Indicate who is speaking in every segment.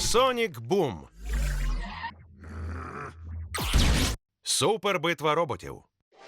Speaker 1: Сонік Бум. Супербитва роботів.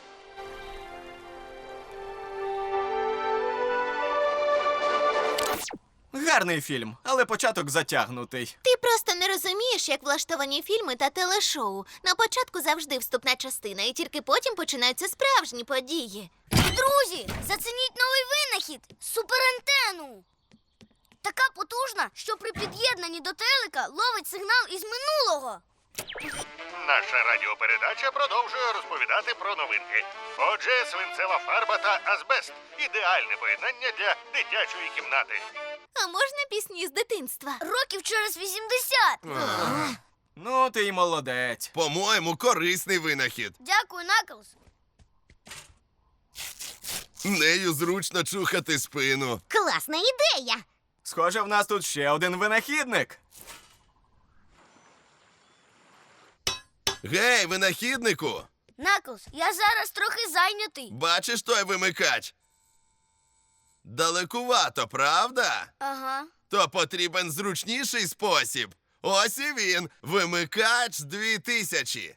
Speaker 2: Гарний фільм, але початок затягнутий.
Speaker 3: Ти просто не розумієш, як влаштовані фільми та телешоу. На початку завжди вступна частина, і тільки потім починаються справжні події.
Speaker 4: Друзі, зацініть новий винахід – суперантенну. Така потужна, що при під'єднанні до телека ловить сигнал із минулого.
Speaker 5: Наша радіопередача продовжує розповідати про новинки. Отже, свинцева фарба та азбест – ідеальне поєднання для дитячої кімнати.
Speaker 3: А можна пісні з дитинства?
Speaker 4: Років через 80.
Speaker 2: Ну, ти й молодець.
Speaker 6: По-моєму, корисний винахід.
Speaker 4: Дякую, Наклз.
Speaker 6: Нею зручно чухати спину.
Speaker 4: Класна ідея.
Speaker 2: Схоже, в нас тут ще один винахідник.
Speaker 6: Гей, винахіднику!
Speaker 4: Наклз, я зараз трохи зайнятий.
Speaker 6: Бачиш той вимикач? Далекувато, правда?
Speaker 4: Ага.
Speaker 6: То потрібен зручніший спосіб. Ось і він, вимикач 2000.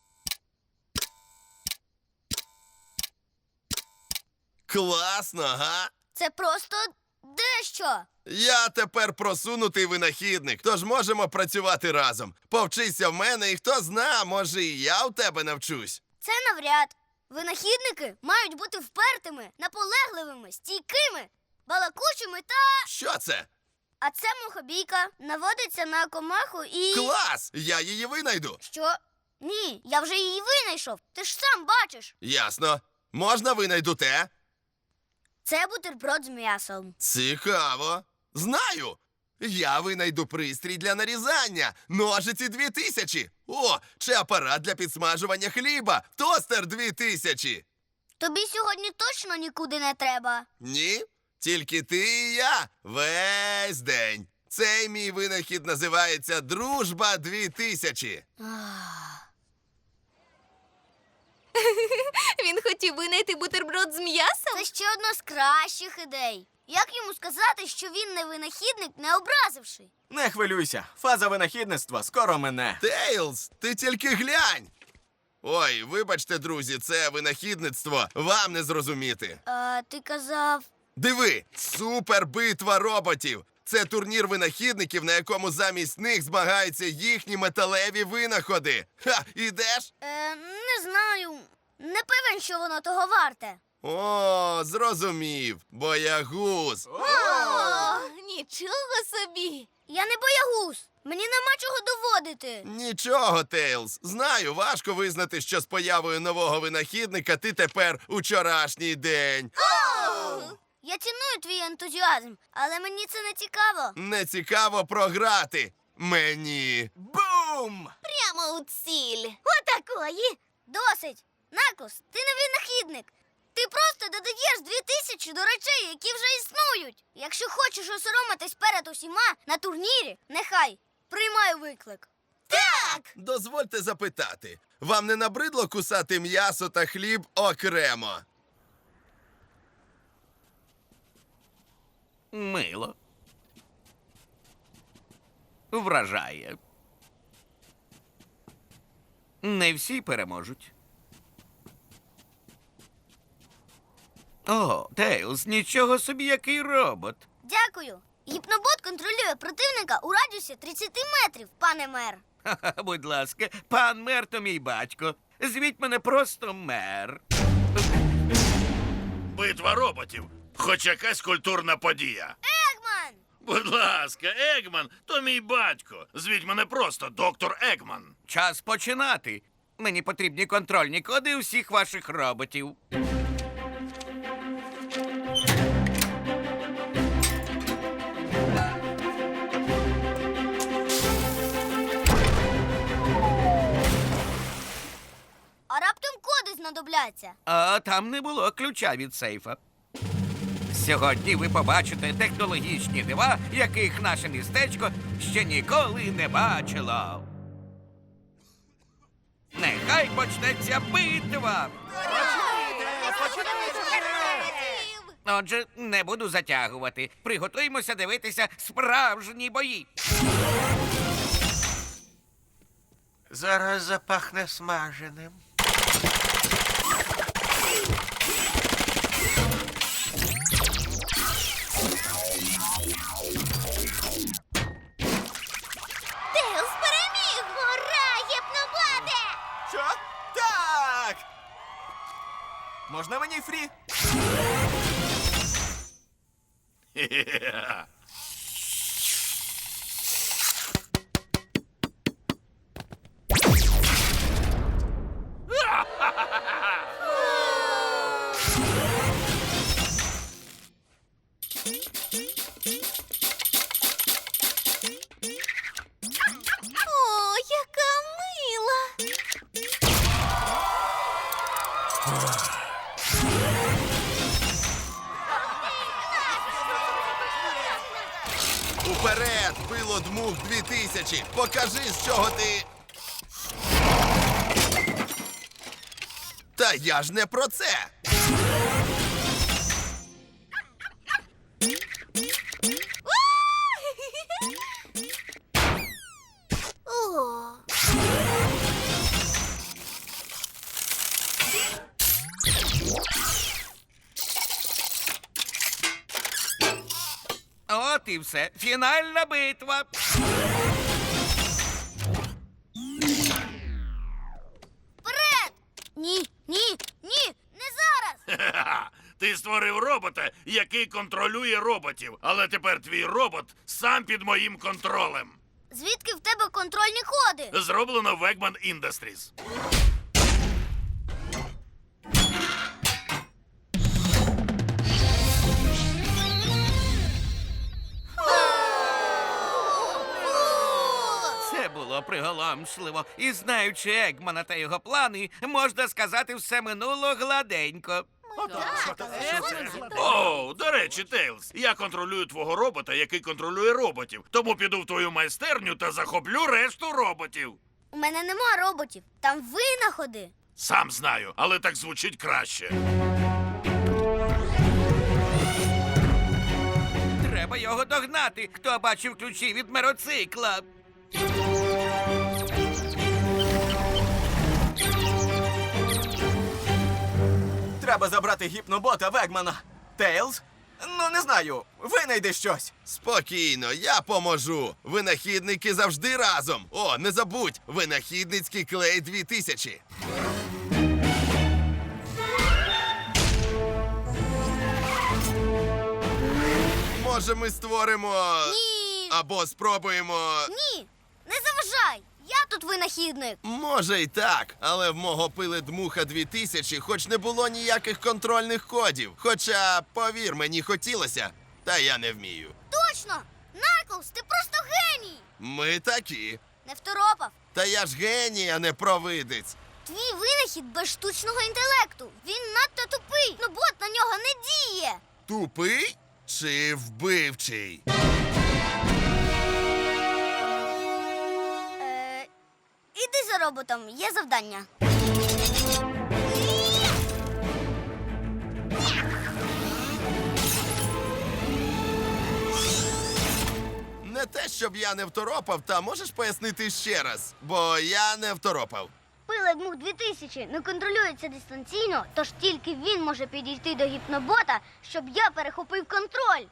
Speaker 6: Класно, га?
Speaker 4: Це просто дещо.
Speaker 6: Я тепер просунутий винахідник, тож можемо працювати разом. Повчися в мене і хто зна, може і я в тебе навчусь.
Speaker 4: Це навряд. Винахідники мають бути впертими, наполегливими, стійкими, балакучими та...
Speaker 6: Що це?
Speaker 4: А це мухобійка. Наводиться на комаху і...
Speaker 6: Клас! Я її винайду.
Speaker 4: Що? Ні, я вже її винайшов. Ти ж сам бачиш.
Speaker 6: Ясно. Можна винайду те?
Speaker 4: Це бутерброд з м'ясом.
Speaker 6: Цікаво. Знаю. Я винайду пристрій для нарізання. Ножиці 2000. О, чи апарат для підсмажування хліба. Тостер 2000.
Speaker 4: Тобі сьогодні точно нікуди не треба.
Speaker 6: Ні, тільки ти і я. Весь день. Цей мій винахід називається «Дружба 2000».
Speaker 3: Він хотів винайти бутерброд з м'ясом?
Speaker 4: Це ще одна з кращих ідей. Як йому сказати, що він не винахідник, не образивши?
Speaker 2: Не хвилюйся, фаза винахідництва скоро мине.
Speaker 6: Тейлз, ти тільки глянь. Ой, вибачте, друзі, це винахідництво. Вам не зрозуміти.
Speaker 4: А ти казав...
Speaker 6: Диви, супербитва роботів. Це турнір винахідників, на якому замість них змагаються їхні металеві винаходи. Ха, ідеш?
Speaker 4: Не знаю. Не певен, що воно того варте.
Speaker 6: О, зрозумів. Боягуз.
Speaker 3: О, нічого собі!
Speaker 4: Я не боягуз. Мені нема чого доводити.
Speaker 6: Нічого, Тейлз. Знаю, важко визнати, що з появою нового винахідника ти тепер учорашній день.
Speaker 4: Я ціную твій ентузіазм, але мені це не цікаво.
Speaker 6: Не цікаво програти. Мені.
Speaker 2: Бум!
Speaker 3: Прямо у ціль.
Speaker 4: Отакої. Досить. Наклз, ти не винахідник. Ти просто додаєш 2000 до речей, які вже існують. Якщо хочеш осоромитись перед усіма на турнірі, нехай. Приймаю виклик. Так!
Speaker 6: Дозвольте запитати. Вам не набридло кусати м'ясо та хліб окремо?
Speaker 7: Мило. Вражає. Не всі переможуть. О, Тейлз, нічого собі, який робот.
Speaker 4: Дякую. Гіпнобот контролює противника у радіусі 30 метрів, пане мер.
Speaker 7: Ха-ха, будь ласка, пан мер то мій батько. Звіть мене просто мер.
Speaker 5: Битва роботів. Хоч якась культурна подія.
Speaker 4: Егман!
Speaker 5: Будь ласка, Егман, то мій батько. Звіть мене просто доктор Егман.
Speaker 7: Час починати. Мені потрібні контрольні коди усіх ваших роботів.
Speaker 4: А раптом коди знадобляться.
Speaker 7: А там не було ключа від сейфа. Сьогодні ви побачите технологічні дива, яких наше містечко ще ніколи не бачило. Нехай почнеться битва! Отже, не буду затягувати. Приготуємося дивитися справжні бої.
Speaker 1: Зараз запахне смаженим.
Speaker 3: Тейлз переміг! Ура! Гіпноботе!
Speaker 2: Що? Так! Можна мені фрі?
Speaker 3: О, яка мила!
Speaker 6: Уперед, пило дмух 2000! Покажи, з чого ти. Та я ж не про це!
Speaker 3: О,
Speaker 7: От і все. Фінальна битва.
Speaker 4: Вперед! Ні, ні, ні, не зараз!
Speaker 8: Ха-ха! Ти створив робота, який контролює роботів, але тепер твій робот сам під моїм контролем.
Speaker 4: Звідки в тебе контрольні коди?
Speaker 8: Зроблено в Eggman Industries.
Speaker 7: Це було приголомшливо. І знаючи Егмана та його плани, можна сказати, все минуло гладенько.
Speaker 8: О, до речі, Тейлз, я контролюю твого робота, який контролює роботів. Тому піду в твою майстерню та захоплю решту роботів.
Speaker 4: У мене нема роботів, там винаходи.
Speaker 8: Сам знаю, але так звучить краще.
Speaker 7: Треба його догнати. Хто бачив ключі від мироцикла?
Speaker 2: Треба забрати гіпнобота Вегмана. Тейлз? Ну, не знаю. Винайди щось.
Speaker 6: Спокійно, я поможу. Винахідники завжди разом. О, не забудь, винахідницький клей 2000. Може, ми створимо.
Speaker 4: Ні.
Speaker 6: Або спробуємо.
Speaker 4: Ні, не заважай! Я тут винахідник.
Speaker 6: Може й так, але в мого пили дмуха 2000 хоч не було ніяких контрольних кодів. Хоча, повір, мені хотілося, та я не вмію.
Speaker 4: Точно! Наклз, ти просто геній!
Speaker 6: Ми такі.
Speaker 4: Не второпав.
Speaker 6: Та я ж геній, а не провидець.
Speaker 4: Твій винахід без штучного інтелекту. Він надто тупий. Ну бот на нього не діє.
Speaker 6: Тупий чи вбивчий?
Speaker 4: Іди за роботом, є завдання.
Speaker 6: Не те, щоб я не второпав, та можеш пояснити ще раз, бо я не второпав.
Speaker 4: Пилик Мух 2000 не контролюється дистанційно, тож тільки він може підійти до гіпнобота, щоб я перехопив контроль.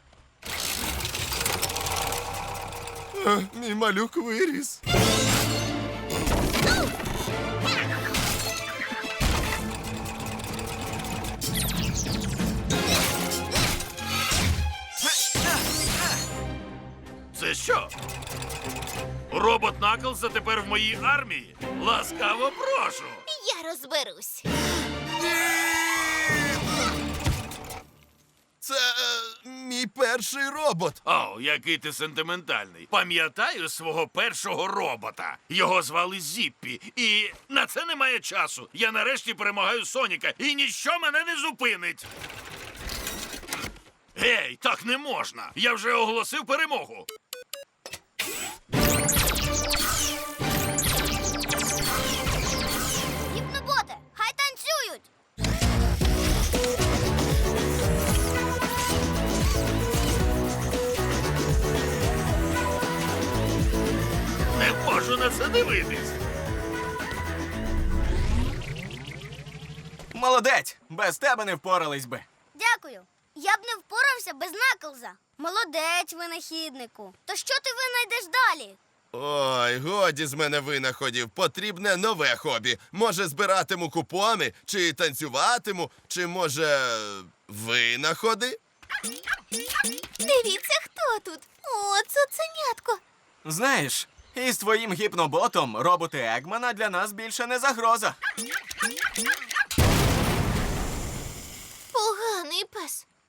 Speaker 6: Мій малюк виріс.
Speaker 8: Це що? Робот Наклза тепер в моїй армії? Ласкаво прошу!
Speaker 3: я розберусь.
Speaker 6: Це мій перший робот.
Speaker 8: О, який ти сентиментальний. Пам'ятаю свого першого робота. Його звали Зіппі. І на це немає часу. Я нарешті перемагаю Соніка, і ніщо мене не зупинить. Гей, так не можна. Я вже оголосив перемогу.
Speaker 4: Гіпноботе, хай танцюють!
Speaker 8: Не можу на це дивитись.
Speaker 2: Молодець! Без тебе не впорались би.
Speaker 4: Дякую. Я б не впорався без Наклза. Молодець, винахіднику. То що ти винайдеш далі?
Speaker 6: Ой, годі з мене винаходів. Потрібне нове хобі. Може, збиратиму купони, чи танцюватиму, чи може винаходи?
Speaker 3: Дивіться, хто тут. О, цуценятко.
Speaker 2: Знаєш, із твоїм гіпноботом роботи Егмана для нас більше не загроза.
Speaker 3: Поганий пес.